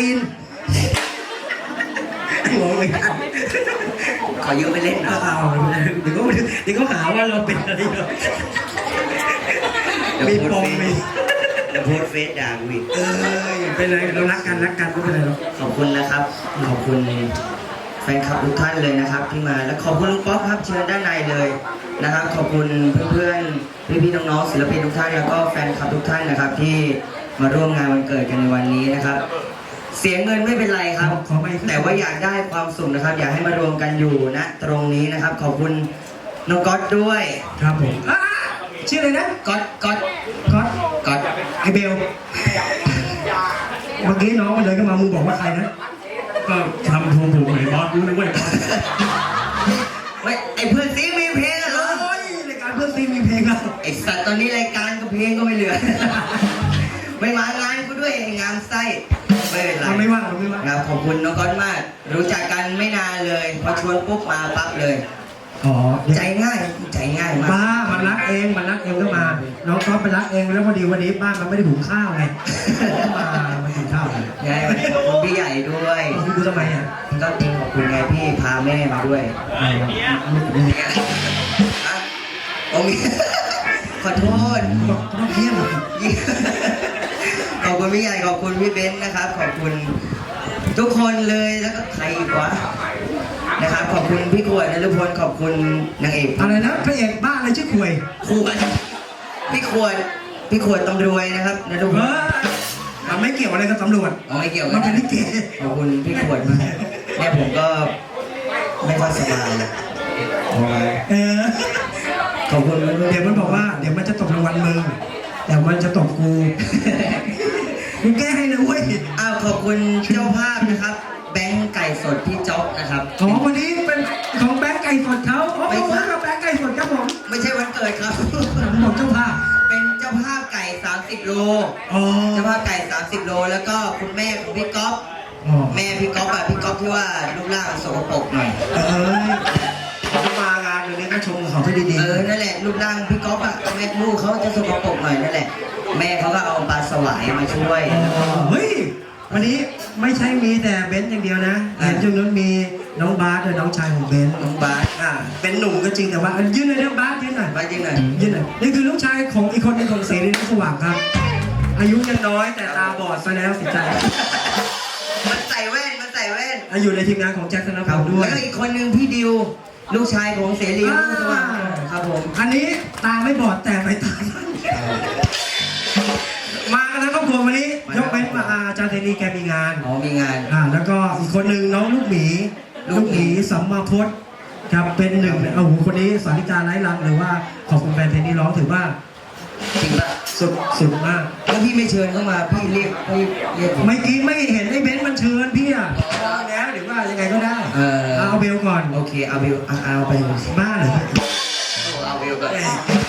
ตีนงงเลยกันขอยืมไปเล่นนะเอาเดี๋ยวก็หาว่าเราเป็นอะไรเนาะมีปมมีเดี๋ยวโพสเฟซด่ากูอีกเป็นไรเรารักกันไม่เป็นไรหรอกขอบคุณนะครับขอบคุณแฟนคลับทุกท่านเลยนะครับที่มาและขอบคุณลุงป๊อปครับเชิญด้านในเลยนะครับขอบคุณเพื่อนๆพี่ๆน้องๆศิลปินทุกท่านแล้วก็แฟนคลับทุกท่านนะครับที่มาร่วมงานวันเกิดกันในวันนี้นะครับเสียเงินไม่เป็นไรครับแต่ว่าอยากได้ความสุขนะครับอยากให้มารวมกันอยู่นะตรงนี้นะครับขอบคุณน้องก๊อตด้วยครับผมชื่ออะไรนะก๊อตไอเบลเมื่อกี้น้องมันเดินเข้ามามึงบอกว่าใครนะก็ทำถูกถูกเลยบอสรู้เลยว่าไอเพื่อนซีมีเพลงเหรอรายการเพื่อนซีมีเพลงอะไอสัตว์ตอนนี้รายการก็เพลงก็ไม่เหลือไม่มางานกูด้วยงานไส้ไม่เป็นไรไม่ว่าครับขอบคุณน้องก๊อตมากรู้จักกันไม่นานเลยพอชวนปุ๊บมาปั๊บเลยใจง่ายมากบ้ามันรักเองก็มาน้องก๊อตไปรักเองแล้วพอดีวันนี้บ้านมันไม่ได้หุงข้าวไงมากินข้าวไงขอบคุณพี่ใหญ่ด้วยคุณทำไมอ่ะก็ขอบคุณไงพี่พาแม่มาด้วยโอ้ยขอโทษต้องเยี่ยมขอบคุณพี่ใหญ่ขอบคุณพี่เบนซ์นะครับขอบคุณทุกคนเลยแล้วก็ใครอีกวะนะครับขอบคุณพี่ขวดนฤพลขอบคุณนางเอกอะไรนะพระเอกบ้าอะไรชื่อขวดพี่ขวดตำรวจนะครับนฤพลมันไม่เกี่ยวอะไรกับตำรวจไม่เกี่ยวมันเป็นลิเกขอบคุณพี่ขวดมากเนี่ยผมก็ไม่ค่อยสบายขอบคุณเดี๋ยวมันบอกว่าเดี๋ยวมันจะตกรางวัลมึงแต่มันจะตกกูแก้ให้นะเว้ยขอบคุณเจ้าภาพนะครับแบงค์ไก่สดพี่จ๊อกนะครับวันนี้เป็นของแบงค์ไก่สดเขาไม่ใช่กับแบงค์ไก่สดครับผมไม่ใช่วันเกิดครับบอกเจ้าภาพเป็นเจ้าภาพไก่30 โลเจ้าภาพไก่30 โลแล้วก็คุณแม่ของพี่ก๊อฟแม่พี่ก๊อฟพี่ก๊อฟที่ว่ารูปร่างสกปรกหน่อยมางานวันนี้ก็ชมเขาให้ดีๆนั่นแหละรูปร่างพี่ก๊อฟแม่ลูกเขาจะสกปรกหน่อยนั่นแหละแม่เขาก็เอาปลาสวายมาช่วยเฮ้ยวันนี้ไม่ใช่มีแต่เบนซ์อย่างเดียวนะเห็นจุดนู้นมีน้องบาสด้วยน้องชายของเบนซ์น้องบาสเป็นหนุ่มก็จริงแต่ว่ายืนเลยนะบาสยืนหน่อยยืนหน่อยนี่คือลูกชายของอีกคนนึงของเสรีรุ่งสว่างครับอายุยังน้อยแต่ตาบอดซะแล้วสิใจมันใส่แว่นอยู่ในทีมงานของแจ็คธนพลด้วยแล้วอีกคนนึงพี่ดิวลูกชายของเสรีรุ่งสว่างครับผมอันนี้ตาไม่บอดแต่ไม่ตามากันนะครอบครัววันนี้ยกเว้นมาอาจารย์เทนีแกมีงานมีงานแล้วก็อีกคนหนึ่งน้องลูกหมีสัมมาพจน์ครับเป็นหนึ่งคนนี้สาริกาไร้ลังหรือว่าขอบคุณแฟนเทนีร้องถือว่าจริงป่ะสุดมากแล้วพี่ไม่เชิญเข้ามาพี่เรียกไม่กี้ไม่เห็นไอ้เบนซ์มันเชิญพี่อ่ะแล้วหรือว่ายังไงก็ได้เอาเบลก่อนโอเคเอาเบลเอาไปบ้าเหรอเอาเบลก่อน